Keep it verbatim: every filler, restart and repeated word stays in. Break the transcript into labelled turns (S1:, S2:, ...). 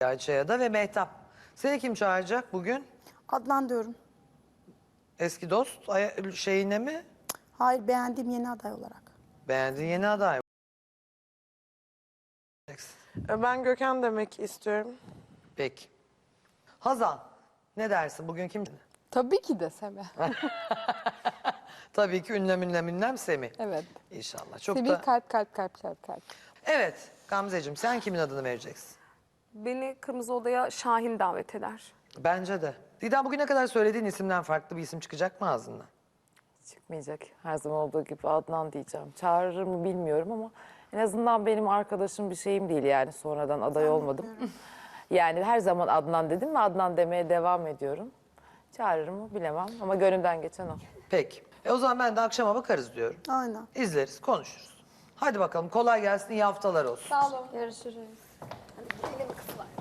S1: Ayça'ya da ve Mehtap. Seni kim çağıracak bugün?
S2: Adnan diyorum.
S1: Eski dost ay- şeyine mi?
S2: Hayır, beğendiğim yeni aday olarak.
S1: Beğendiğin yeni aday mı?
S3: Ben Gökhan demek istiyorum.
S1: Peki. Hazan, ne dersin bugün kim?
S4: Tabii ki de Semih.
S1: Tabii ki ünlem ünlem ünlem Semih.
S4: Evet.
S1: İnşallah. Çok
S4: Semih
S1: da...
S4: kalp kalp kalp kalp kalp.
S1: Evet Gamzeciğim, sen kimin adını vereceksin?
S5: Beni Kırmızı Oda'ya Şahin davet eder.
S1: Bence de. Didem, bugüne kadar söylediğin isimden farklı bir isim çıkacak mı ağzından?
S6: Çıkmayacak. Her zaman olduğu gibi Adnan diyeceğim. Çağırır mı bilmiyorum ama en azından benim arkadaşım bir şeyim değil yani sonradan aday olmadım. Yani her zaman Adnan dedim ve Adnan demeye devam ediyorum. Çağırır mı bilemem ama gönlümden geçen o.
S1: Peki. E o zaman ben de akşama bakarız diyorum.
S2: Aynen.
S1: İzleriz, konuşuruz. Hadi bakalım, kolay gelsin, iyi haftalar olsun.
S5: Sağ olun. Görüşürüz. Hadi gidelim kızlar.